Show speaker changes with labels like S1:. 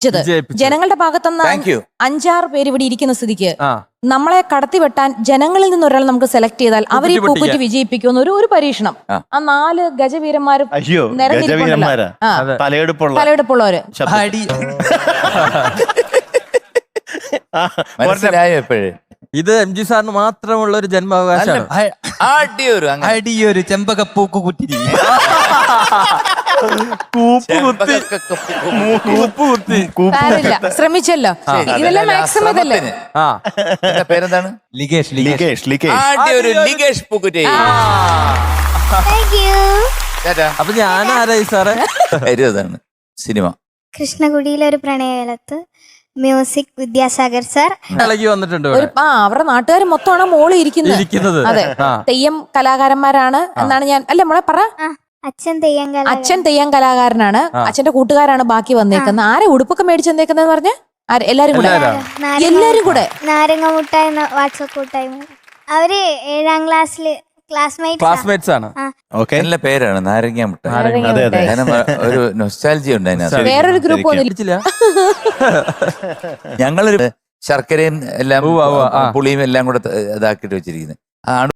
S1: വിജയിപ്പിച്ചത്. ജനങ്ങളുടെ ഭാഗത്തുനിന്ന് 5-6 പേര് ഇവിടെ ഇരിക്കുന്ന സ്ഥിതിക്ക് നമ്മളെ കടത്തിവെട്ടാൻ ജനങ്ങളിൽ നിന്ന് ഒരാൾ നമുക്ക് സെലക്ട് ചെയ്താൽ അവർ ഈ പൂക്കുറ്റി വിജയിപ്പിക്കുന്ന ഒരു പരീക്ഷണം. ആ 4 ഗജവീരന്മാരും തലയെടുപ്പുള്ളവര്
S2: ഇത് MG സാറിന് മാത്രമുള്ള ഒരു ജന്മാവകാശമാണ്.
S3: അടിയൊരു ചെമ്പകപ്പൂക്ക് കുറ്റി
S1: ശ്രമിച്ചല്ലോ. ഇതെല്ലാം മാക്സിമം ഇതല്ലേ?
S4: പേരെന്താണ്?
S2: അപ്പൊ ഞാൻ ആരായി സാറേ?
S4: സിനിമ
S5: കൃഷ്ണകുടിയിലെ ഒരു പ്രണയകാലത്ത് മ്യൂസിക് വിദ്യാസാഗർ സാർ
S2: ഇളകി വന്നിട്ടുണ്ട്.
S1: അവരുടെ നാട്ടുകാർ മൊത്തമാണ് മോളി ഇരിക്കുന്നത്. അതെ, തെയ്യം കലാകാരന്മാരാണ് എന്നാണ് ഞാൻ. അല്ല മോളെ പറ. അച്ഛൻ തെയ്യം കലാകാരനാണ്. അച്ഛന്റെ കൂട്ടുകാരാണ് ബാക്കി വന്നേക്കുന്നത്. ആരെ ഉടുപ്പൊക്കെ മേടിച്ചു വന്നേക്കുന്നതെന്ന് പറഞ്ഞ എല്ലാരും കൂടെ
S5: നാരങ്ങ മുട്ടായി വാട്സപ്പ് കൂട്ടായ്മ. അവര് 7ാം ക്ലാസ്സില്
S2: ക്ലാസ്മേറ്റ്സ് ആണ്.
S4: നല്ല പേരാണ് നാരങ്ങ മുട്ടായി. ഒരു നൊസ്റ്റാൾജിയ ഉണ്ട് അതിനകത്ത്.
S1: വേറൊരു ഗ്രൂപ്പ് ഒന്നും
S4: ഞങ്ങളൊരു ശർക്കരയും എല്ലാം പുളിയും എല്ലാം കൂടെ ഇതാക്കിട്ട് വെച്ചിരിക്കുന്നത്.